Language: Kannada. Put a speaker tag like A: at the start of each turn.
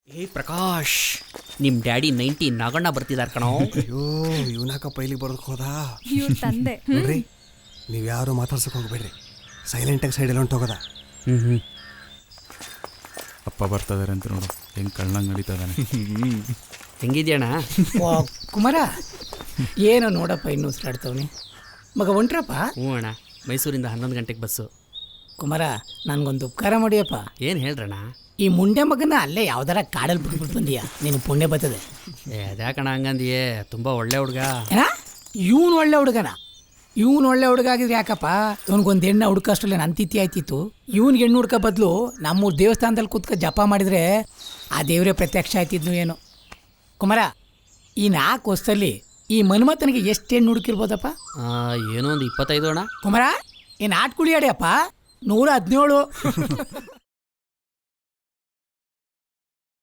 A: ಏ ಪ್ರಕಾಶ್, ನಿಮ್ ಡ್ಯಾಡಿ 90 ನಾಗಣ್ಣ ಬರ್ತಿದಾರ ಕಣೋ.
B: ಅಯ್ಯೋ ಇವನಾಕಪ್ಪ ಇಲ್ಲಿಗೆ ಬರೋದಕ್ಕೆ ಹೋದ.
C: ಇವ್ರ ತಂದೆ.
B: ನೋಡ್ರಿ, ನೀವು ಯಾರು ಮಾತಾಡ್ಸಕ್ಕೆ ಹೋಗ್ಬೇಡ್ರಿ, ಸೈಲೆಂಟಾಗಿ ಸೈಡಲ್ಲಿ ಹೊಂಟೋಗೋದ.
D: ಅಪ್ಪ ಬರ್ತಿದಾರೆ ಅಂತ ನೋಡು, ಹೆಂಗೆ ಕಳ್ಳಂಗೆ ನಡೀತಾ ಇದ್ದಾನೆ.
A: ಹೆಂಗಿದ್ಯಣ್ಣ?
E: ಕುಮಾರ, ಏನೋ ನೋಡಪ್ಪ ಇನ್ನೂ ಉಸಿರಾಡ್ತವನಿ. ಮಗ ಹೊಂಟ್ರಪ್ಪ?
A: ಹ್ಞೂ ಅಣ್ಣ, ಮೈಸೂರಿಂದ 11 ಗಂಟೆಗೆ ಬಸ್ಸು.
E: ಕುಮಾರ, ನನಗೊಂದು ಉಪಕಾರ ಮಾಡಿಯಪ್ಪ.
A: ಏನು ಹೇಳ್ರಣ್ಣ?
E: ಈ ಮುಂಡೆ ಮಗನ ಅಲ್ಲೇ ಯಾವ್ದಾರ ಕಾಡಲ್ಲಿ ಬಿಟ್ಬಿಟ್ಟು ಬಂದೀಯ, ನೀನು ಪುಣ್ಯ ಬರ್ತದೆ.
A: ಅದ್ಯಾಕಣ ಹಂಗಂದಿಯೇ? ತುಂಬ ಒಳ್ಳೆ ಹುಡುಗ.
E: ಏನ ಇವನು ಒಳ್ಳೆ ಹುಡುಗನ? ಇವನು ಒಳ್ಳೆ ಹುಡುಗ ಆಗಿದ್ರೆ ಯಾಕಪ್ಪ ಇವನಿಗೊಂದು ಹೆಣ್ಣು ಹುಡುಕಷ್ಟಲ್ಲೇ ನನ್ನ ತಿಥಿ ಆಯ್ತಿತ್ತು. ಇವ್ನಿಗೆ ಹೆಣ್ಣು ಹುಡ್ಕ ಬದಲು ನಮ್ಮೂರು ದೇವಸ್ಥಾನದಲ್ಲಿ ಕೂತ್ಕ ಜಪ ಮಾಡಿದರೆ ಆ ದೇವರೇ ಪ್ರತ್ಯಕ್ಷ ಆಯ್ತಿದ್ನು ಏನು. ಕುಮಾರ, ಈ 4 ವರ್ಷದಲ್ಲಿ ಈ ಮನ್ಮಥನಿಗೆ ಎಷ್ಟು ಹೆಣ್ಣು ಹುಡುಕಿರ್ಬೋದಪ್ಪ?
A: ಏನೋ ಒಂದು 25 ಅಣ್ಣ.
E: ಕುಮಾರ, ಏನು ಆಟ ಕುಳಿಯಾಡಿಯಪ್ಪ, 117.